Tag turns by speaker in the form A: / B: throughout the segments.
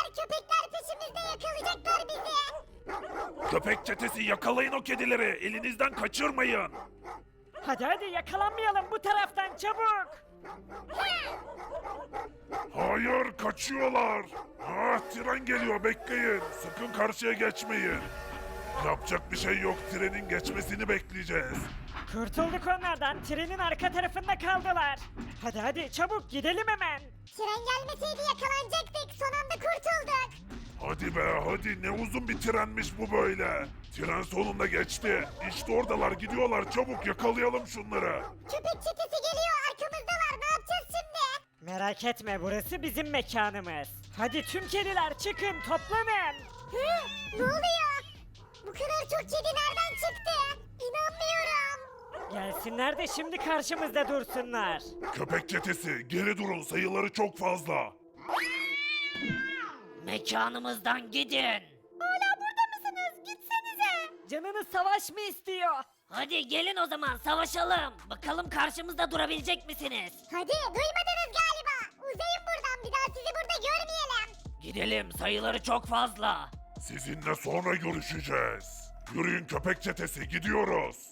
A: köpekler peşimizde yakalayacaklar bizi.
B: Köpek çetesi yakalayın o kedileri. Elinizden kaçırmayın.
C: Hadi yakalanmayalım bu taraftan çabuk.
B: Hayır, kaçıyorlar. Ah, tren geliyor, bekleyin. Sakın karşıya geçmeyin. Yapacak bir şey yok, trenin geçmesini bekleyeceğiz.
C: Kurtulduk onlardan. Trenin arka tarafında kaldılar. Hadi çabuk gidelim hemen.
A: Tren gelmeseydi yakalanacaktık. Son anda kurtulduk.
B: Hadi be, hadi, ne uzun bir trenmiş bu böyle. Tren sonunda geçti. İşte oradalar, gidiyorlar, çabuk yakalayalım şunları.
A: Köpek çetesi geliyor. Arkamızdalar. Ne yapacağız şimdi?
C: Merak etme burası bizim mekanımız. Hadi tüm kediler çıkın toplanın.
A: Hı? Ne oluyor? Bu kadar çok kedi nereden çıktı? İnanmıyorum.
C: Gelsinler de şimdi karşımızda dursunlar.
B: Köpek çetesi, geri durun, sayıları çok fazla.
D: Mekanımızdan gidin.
A: Hala burada mısınız? Gitsenize.
C: Canınız savaş mı istiyor?
D: Hadi gelin o zaman savaşalım. Bakalım karşımızda durabilecek misiniz?
A: Hadi duymadınız galiba. Uzayın buradan. Bir daha sizi burada görmeyelim.
D: Gidelim sayıları çok fazla.
B: Sizinle sonra görüşeceğiz. Yürüyün köpek çetesi, gidiyoruz.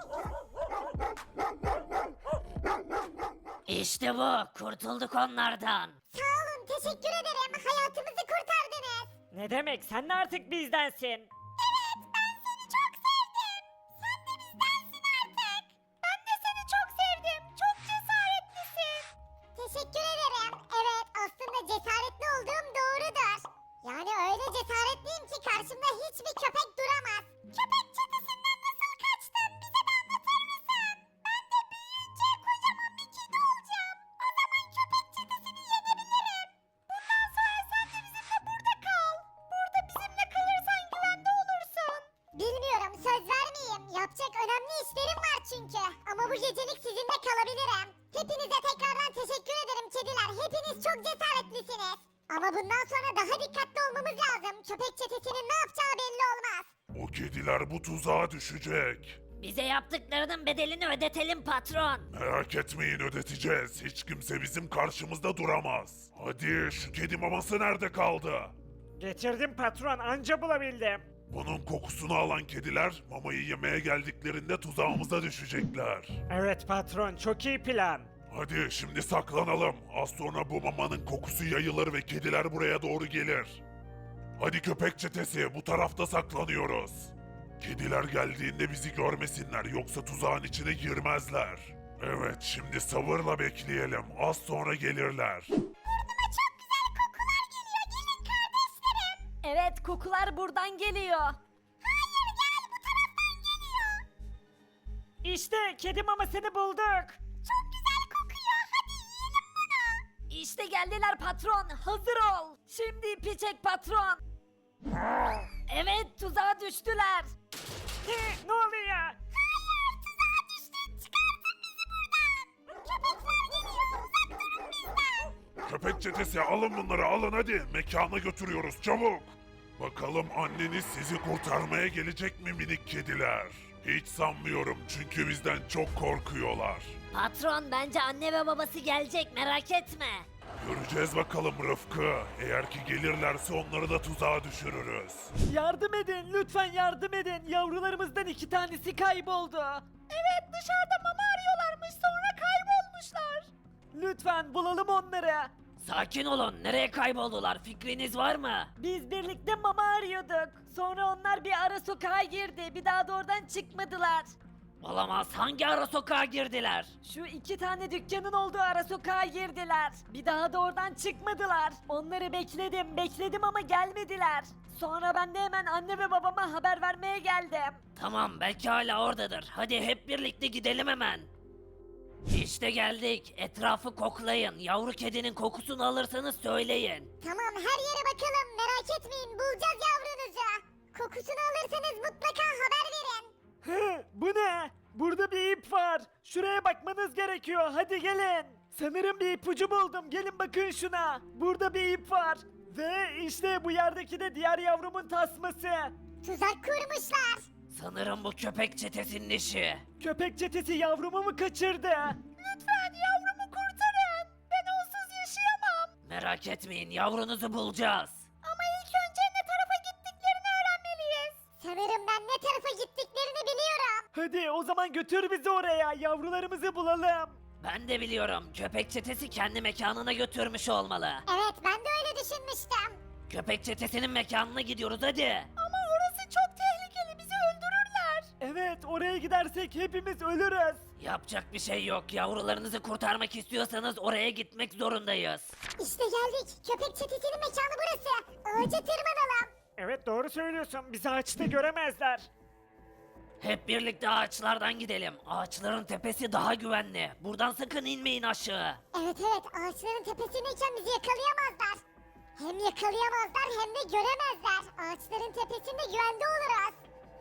D: İşte bu kurtulduk onlardan.
A: Sağ olun. Teşekkür ederim. Hayatımızı kurtardınız.
C: Ne demek sen de artık bizdensin.
A: Evet, ben seni çok sevdim. Sen de bizdensin artık. Ben de seni çok sevdim. Çok cesaretlisin. Teşekkür ederim. Evet, aslında cesaretli olduğum doğrudur. Yani öyle cesaretliyim ki karşımda hiçbir köpek duramaz. Köpek çetesinden nasıl kaçtın? Bize de anlatır mısın? Ben de büyüyünce kocaman bir kedi olacağım. O zaman köpek çetesini yenebilirim. Bundan sonra sen de bizimle burada kal. Burada bizimle kalırsan güvende olursun. Bilmiyorum, söz vermeyeyim. Yapacak önemli işlerim var çünkü. Ama bu gecelik sizinle kalabilirim. Hepinize tekrardan teşekkür ederim kediler. Hepiniz çok cesaretlisiniz. Ama bundan sonra daha dikkatli olmamız lazım. Köpek çetesinin ne yapacağı belli olmaz.
B: O kediler bu tuzağa düşecek.
D: Bize yaptıklarının bedelini ödetelim patron.
B: Merak etmeyin, ödeteceğiz. Hiç kimse bizim karşımızda duramaz. Hadi, şu kedi maması nerede kaldı?
C: Getirdim patron anca bulabildim.
B: Bunun kokusunu alan kediler mamayı yemeye geldiklerinde tuzağımıza düşecekler.
C: Evet patron çok iyi plan.
B: Hadi şimdi saklanalım. Az sonra bu mamanın kokusu yayılır ve kediler buraya doğru gelir. Hadi köpek çetesi, bu tarafta saklanıyoruz. Kediler geldiğinde bizi görmesinler, yoksa tuzağın içine girmezler. Evet, şimdi sabırla bekleyelim. Az sonra gelirler.
D: Evet kokular buradan geliyor.
C: İşte kedi mamasını bulduk.
D: İşte geldiler patron hazır ol. Şimdi ipi çek patron. Evet tuzağa düştüler.
C: Ne oluyor?
B: Köpek çetesi, alın bunları, alın hadi. Mekana götürüyoruz, çabuk. Bakalım anneniz sizi kurtarmaya gelecek mi minik kediler? Hiç sanmıyorum, çünkü bizden çok korkuyorlar.
D: Patron bence anne ve babası gelecek merak etme.
B: Göreceğiz bakalım Rıfkı. Eğer ki gelirlerse onları da tuzağa düşürürüz.
C: Yardım edin lütfen yardım edin. Yavrularımızdan 2 tanesi kayboldu. Evet dışarıda mama arıyorlarmış sonra kaybolmuşlar. Lütfen bulalım onları.
D: Sakin olun nereye kayboldular fikriniz var mı?
C: Biz birlikte mama arıyorduk. Sonra onlar bir ara sokağa girdi. Bir daha da oradan çıkmadılar.
D: Olamaz hangi ara sokağa girdiler?
C: Şu 2 tane dükkanın olduğu ara sokağa girdiler. Bir daha da oradan çıkmadılar. Onları bekledim ama gelmediler. Sonra ben de hemen anne ve babama haber vermeye geldim.
D: Tamam belki hala oradadır. Hadi hep birlikte gidelim hemen. İşte geldik. Etrafı koklayın. Yavru kedinin kokusunu alırsanız söyleyin.
A: Tamam, her yere bakalım. Merak etmeyin, bulacağız yavrunuzu. Kokusunu alırsanız mutlaka haber verin.
C: Hı, bu ne? Burada bir ip var. Şuraya bakmanız gerekiyor. Hadi gelin. Sanırım bir ipucu buldum. Gelin bakın şuna. Burada bir ip var. Ve işte bu yerdeki de diğer yavrumun tasması.
A: Tuzak kurmuşlar.
D: Sanırım bu köpek çetesinin işi.
C: Köpek çetesi yavrumu mu kaçırdı?
A: Lütfen yavrumu kurtarın. Ben onsuz yaşayamam.
D: Merak etmeyin yavrunuzu bulacağız.
A: tarafa gittiklerini biliyorum.
C: Hadi o zaman götür bizi oraya. Yavrularımızı bulalım.
D: Ben de biliyorum. Köpek çetesi kendi mekanına götürmüş olmalı.
A: Evet ben de öyle düşünmüştüm.
D: Köpek çetesinin mekanına gidiyoruz hadi.
A: Ama orası çok tehlikeli bizi öldürürler.
C: Evet oraya gidersek hepimiz ölürüz.
D: Yapacak bir şey yok. Yavrularınızı kurtarmak istiyorsanız oraya gitmek zorundayız.
A: İşte geldik. Köpek çetesinin mekanı burası. Ağaca tırmanalım.
C: Evet doğru söylüyorsun. Bizi ağaçta göremezler.
D: Hep birlikte ağaçlardan gidelim. Ağaçların tepesi daha güvenli. Buradan sakın inmeyin aşağı.
A: Evet evet ağaçların tepesindeyken bizi yakalayamazlar. Hem yakalayamazlar hem de göremezler. Ağaçların tepesinde güvende oluruz.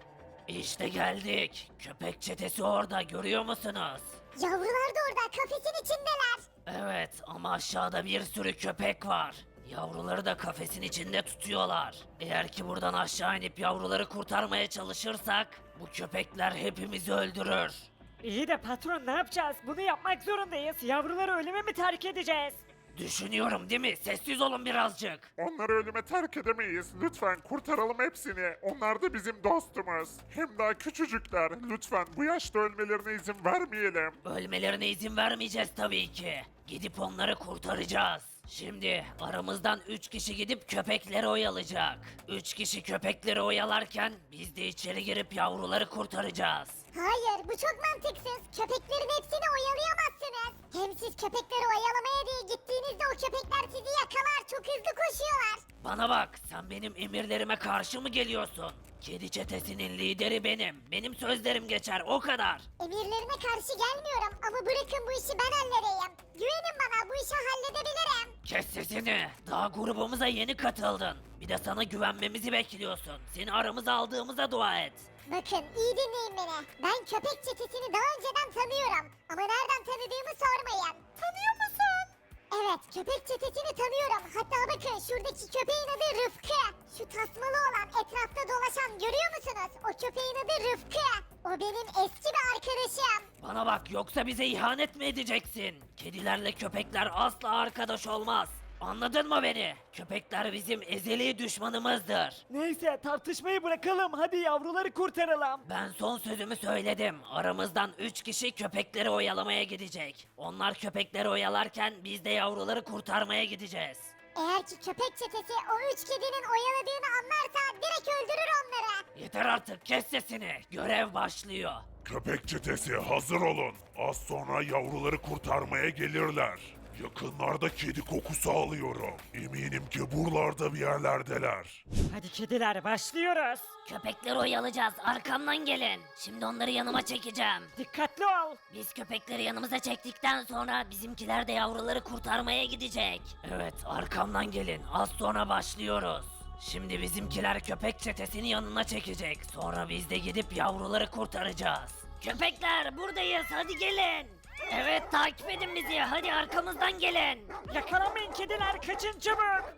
D: İşte geldik. Köpek çetesi orada görüyor musunuz?
A: Yavrular da orada kafesin içindeler.
D: Evet ama aşağıda bir sürü köpek var. Yavruları da kafesin içinde tutuyorlar. Eğer ki buradan aşağı inip yavruları kurtarmaya çalışırsak bu köpekler hepimizi öldürür.
C: İyi de patron ne yapacağız? Bunu yapmak zorundayız. Yavruları ölüme mi terk edeceğiz?
D: Düşünüyorum değil mi? Sessiz olun birazcık.
B: Onları ölüme terk edemeyiz. Lütfen kurtaralım hepsini. Onlar da bizim dostumuz. Hem daha küçücükler. Lütfen bu yaşta ölmelerine izin vermeyelim.
D: Ölmelerine izin vermeyeceğiz tabii ki. Gidip onları kurtaracağız. Şimdi aramızdan 3 kişi gidip köpekleri oyalayacak. 3 kişi köpekleri oyalarken biz de içeri girip yavruları kurtaracağız.
A: Hayır bu çok mantıksız. Köpeklerin hepsini oyalayamazsınız. Hem siz köpekleri oyalamaya diye gittiğinizde o köpekler sizi yakalar. Çok hızlı koşuyorlar.
D: Bana bak, sen benim emirlerime karşı mı geliyorsun? Kedi çetesinin lideri benim. Benim sözlerim geçer, o kadar.
A: Emirlerine karşı gelmiyorum ama bırakın bu işi ben halledeyim. Güvenin bana bu işi halledebilirim.
D: Kes sesini. Daha grubumuza yeni katıldın. Bir de sana güvenmemizi bekliyorsun. Seni aramıza aldığımıza dua et.
A: Bakın iyi dinleyin beni. Ben köpek çetesini daha önceden tanıyorum. Ama nereden tanıdığımı sormayın. Tanıyor musun? Evet köpek çetesini tanıyorum. Hatta bakın şuradaki köpeğin adı Rıfkı. Şu tasmalı olan etrafta dolaşan görüyor musunuz? O köpeğin adı Rıfkı. O benim eski bir arkadaşım.
D: Bana bak, yoksa bize ihanet mi edeceksin? Kedilerle köpekler asla arkadaş olmaz. Anladın mı beni? Köpekler bizim ezeli düşmanımızdır.
C: Neyse tartışmayı bırakalım. Hadi yavruları kurtaralım.
D: Ben son sözümü söyledim. Aramızdan 3 kişi köpekleri oyalamaya gidecek. Onlar köpekleri oyalarken biz de yavruları kurtarmaya gideceğiz.
A: Eğer ki köpek çetesi o 3 kedinin oyaladığını anlarsa direkt öldürür onları.
D: Yeter artık, kes sesini. Görev başlıyor.
B: Köpek çetesi hazır olun. Az sonra yavruları kurtarmaya gelirler. Yakınlarda kedi kokusu alıyorum. Eminim ki buralarda bir yerlerdeler.
C: Hadi kediler başlıyoruz.
D: Köpekleri oyalayacağız. Arkamdan gelin. Şimdi onları yanıma çekeceğim.
C: Dikkatli ol.
D: Biz köpekleri yanımıza çektikten sonra bizimkiler de yavruları kurtarmaya gidecek. Evet, arkamdan gelin. Az sonra başlıyoruz. Şimdi bizimkiler köpek çetesini yanına çekecek. Sonra biz de gidip yavruları kurtaracağız. Köpekler buradayız, hadi gelin. Evet, takip edin bizi. Hadi arkamızdan gelin.
C: Yakalamayın kediler, kaçın çabuk.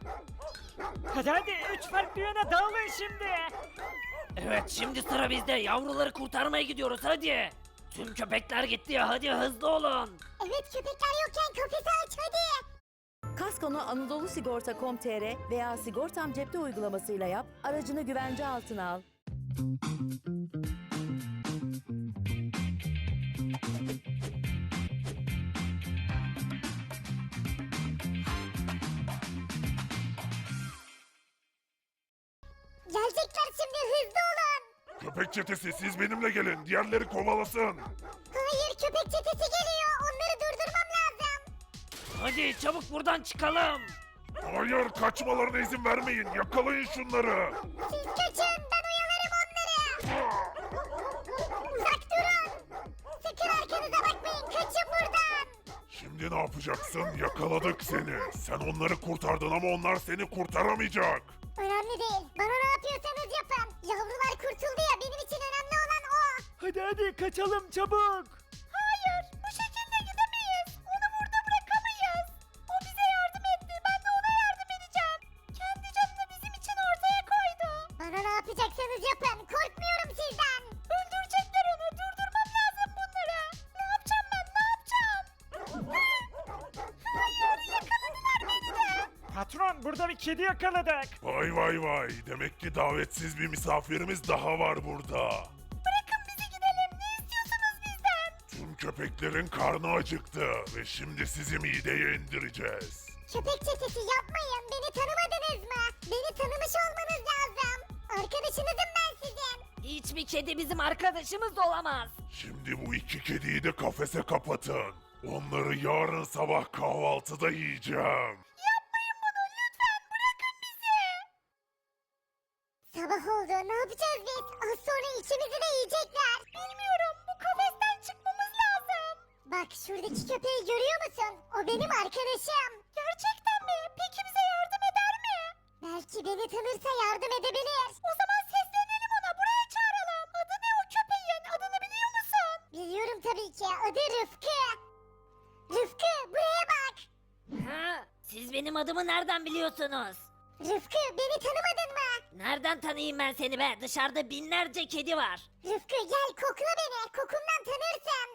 C: Hadi 3 farklı yöne dağılın şimdi.
D: Evet, şimdi sıra bizde. Yavruları kurtarmaya gidiyoruz, hadi. Tüm köpekler gitti ya, hadi hızlı olun.
A: Evet köpekler yokken kafesi aç hadi.
E: Kaskonu Anadolu Sigorta.com.tr veya Sigortam Cepte uygulamasıyla yap, aracını güvence altına al.
A: Gelecekler şimdi hızlı olun.
B: Köpek çetesi siz benimle gelin. Diğerleri kovalasın.
A: Hayır köpek çetesi geliyor. Onları durdurmam lazım.
D: Hadi çabuk buradan çıkalım.
B: Hayır kaçmalarına izin vermeyin. Yakalayın şunları.
A: Siz kaçın ben oyalarım onları. Uzak durun. Sakın arkanıza bakmayın. Kaçın buradan.
B: Şimdi ne yapacaksın? Yakaladık seni. Sen onları kurtardın ama onlar seni kurtaramayacak.
A: Önemli değil. Bana ne yapıyorsanız yapın. Yavrular kurtuldu ya benim için önemli olan o.
C: Hadi kaçalım çabuk.
A: Hayır bu şekilde gidemeyiz. Onu burada bırakamayız. O bize yardım etti. Ben de ona yardım edeceğim. Kendi canını bizim için ortaya koydu. Bana ne yapacaksanız yapın. Korkmuyorum sizden. Öldürecekler onu. Durdurmam lazım bunları. Ne yapacağım ben? Ne yapacağım? Hayır yakaladılar beni de.
C: Patron burada bir kedi yakaladık.
B: Vay vay vay. Demek ki davetsiz bir misafirimiz daha var burada.
A: Bırakın bizi gidelim. Ne istiyorsunuz bizden?
B: Tüm köpeklerin karnı acıktı ve şimdi sizi mideye indireceğiz.
A: Köpek çetesi yapmayın. Beni tanımadınız mı? Beni tanımış olmanız lazım. Arkadaşınızım ben sizin.
D: Hiçbir kedi bizim arkadaşımız olamaz.
B: Şimdi bu iki kediyi de kafese kapatın. Onları yarın sabah kahvaltıda yiyeceğim.
A: Yapmayın bunu lütfen. Bırakın bizi. Sabah oldu. Ne yapacağız biz? Az sonra ikimizi de yiyecekler. Bilmiyorum. Bu kafesten çıkmamız lazım. Bak şuradaki köpeği görüyor musun? O benim arkadaşım. Gerçekten mi? Peki bize yardım eder mi? Belki beni tanırsa yardım edebilir. O zaman seslenelim ona. Buraya çağıralım. Adı ne o köpeğin? Adını biliyor musun? Biliyorum tabii ki. Adı Rıfkı. Rıfkı buraya bak.
D: Ha? Siz benim adımı nereden biliyorsunuz?
A: Rıfkı beni tanımadın mı?
D: Nereden tanıyayım ben seni be? Dışarıda binlerce kedi var.
A: Rıfkı gel kokla beni. Kokumdan tanırsın.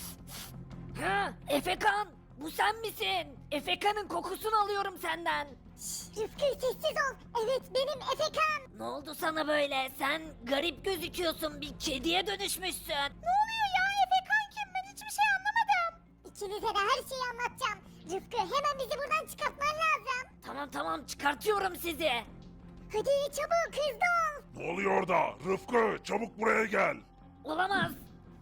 D: Ha? Efekan! Bu sen misin? Efekan'ın kokusunu alıyorum senden.
A: Rıfkı sessiz ol. Evet benim Efekan.
D: Ne oldu sana böyle? Sen garip gözüküyorsun. Bir kediye dönüşmüşsün.
A: Ne oluyor ya Efekan kim? Ben hiçbir şey anlamadım. İkinize de her şeyi anlatacağım. Rıfkı hemen bizi buradan çıkartman lazım.
D: Tamam çıkartıyorum sizi.
A: Hadi çabuk hızlı ol.
B: Ne oluyor orada? Rıfkı çabuk buraya gel.
D: Olamaz.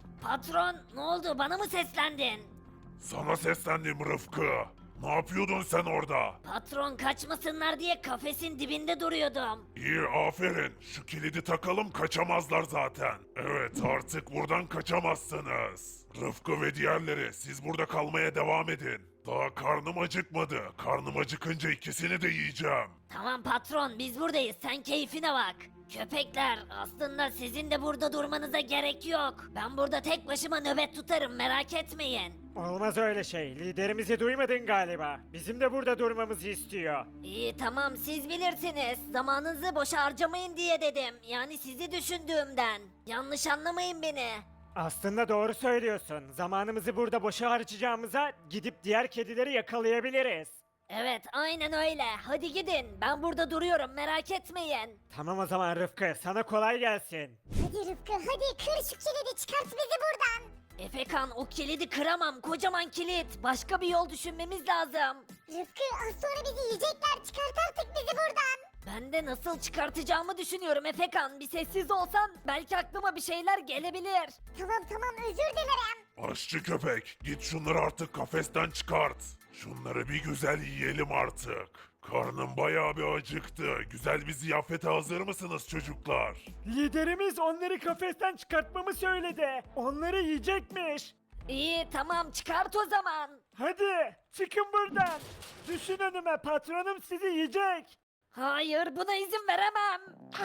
D: Patron ne oldu? Bana mı seslendin?
B: Sana seslendim Rıfkı. Ne yapıyordun sen orada?
D: Patron kaçmasınlar diye kafesin dibinde duruyordum.
B: İyi aferin. Şu kilidi takalım kaçamazlar zaten. Evet artık buradan kaçamazsınız. Rıfkı ve diğerleri siz burada kalmaya devam edin. Daha karnım acıkmadı. Karnım acıkınca ikisini de yiyeceğim.
D: Tamam patron biz buradayız. Sen keyfine bak. Köpekler aslında sizin de burada durmanıza gerek yok. Ben burada tek başıma nöbet tutarım merak etmeyin.
C: Olmaz öyle şey. Liderimizi duymadın galiba. Bizim de burada durmamızı istiyor.
D: İyi tamam siz bilirsiniz. Zamanınızı boşa harcamayın diye dedim. Yani sizi düşündüğümden. Yanlış anlamayın beni.
C: Aslında doğru söylüyorsun. Zamanımızı burada boşa harcayacağımıza gidip diğer kedileri yakalayabiliriz.
D: Evet aynen öyle. Hadi gidin. Ben burada duruyorum merak etmeyin.
C: Tamam o zaman Rıfkı, sana kolay gelsin.
A: Hadi Rıfkı hadi kır şu kilidi çıkart bizi buradan.
D: Efekan o kilidi kıramam. Kocaman kilit. Başka bir yol düşünmemiz lazım.
A: Rıfkı az sonra bizi yiyecekler çıkart artık bizi buradan.
D: Ben de nasıl çıkartacağımı düşünüyorum Efekan. Bir sessiz olsan belki aklıma bir şeyler gelebilir.
A: Tamam özür dilerim.
B: Aşçı köpek git şunları artık kafesten çıkart. Şunları bir güzel yiyelim artık. Karnım bayağı bir acıktı. Güzel bir ziyafete hazır mısınız çocuklar?
C: Liderimiz onları kafesten çıkartmamı söyledi. Onları yiyecekmiş.
D: İyi tamam çıkart o zaman.
C: Hadi çıkın buradan. Düşün önüme, patronum sizi yiyecek.
D: Hayır buna izin veremem.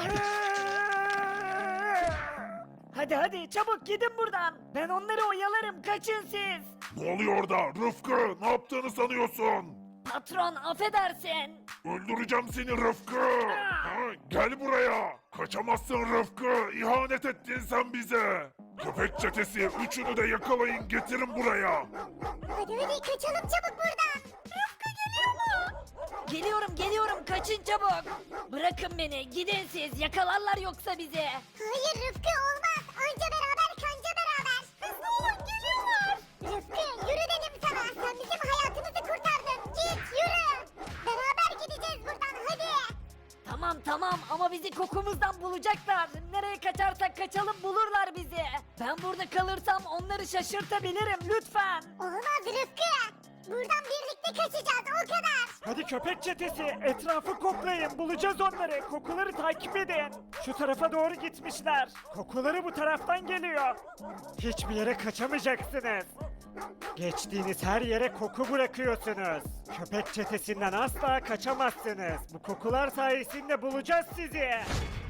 D: Hadi çabuk gidin buradan. Ben onları oyalarım kaçın siz.
B: Ne oluyor orada? Rıfkı ne yaptığını sanıyorsun?
D: Patron affedersin.
B: Öldüreceğim seni Rıfkı. Ha, gel buraya. Kaçamazsın Rıfkı. İhanet ettin sen bize. Köpek çetesi üçünü de yakalayın getirin buraya.
A: Hadi kaçalım çabuk buradan. Rıfkı geliyor mu?
D: Geliyorum kaçın çabuk. Bırakın beni gidin siz yakalarlar yoksa bizi.
A: Hayır Rıfkı olmaz. Anca beraber kanca beraber. Hızlı olun geliyorlar. Rıfkı yürü dedim sana. Sen bizim hayatımızı kurtardın. Git yürü. Beraber gideceğiz buradan hadi.
D: Tamam ama bizi kokumuzdan bulacaklar. Nereye kaçarsak kaçalım bulurlar bizi. Ben burada kalırsam onları şaşırtabilirim lütfen.
A: Olmaz Rıfkı. Buradan birlikte kaçacağız o kadar.
C: Hadi köpek çetesi, etrafı koklayın. Bulacağız onları. Kokuları takip edin. Şu tarafa doğru gitmişler. Kokuları bu taraftan geliyor. Hiçbir yere kaçamayacaksınız. Geçtiğiniz her yere koku bırakıyorsunuz. Köpek çetesinden asla kaçamazsınız. Bu kokular sayesinde bulacağız sizi.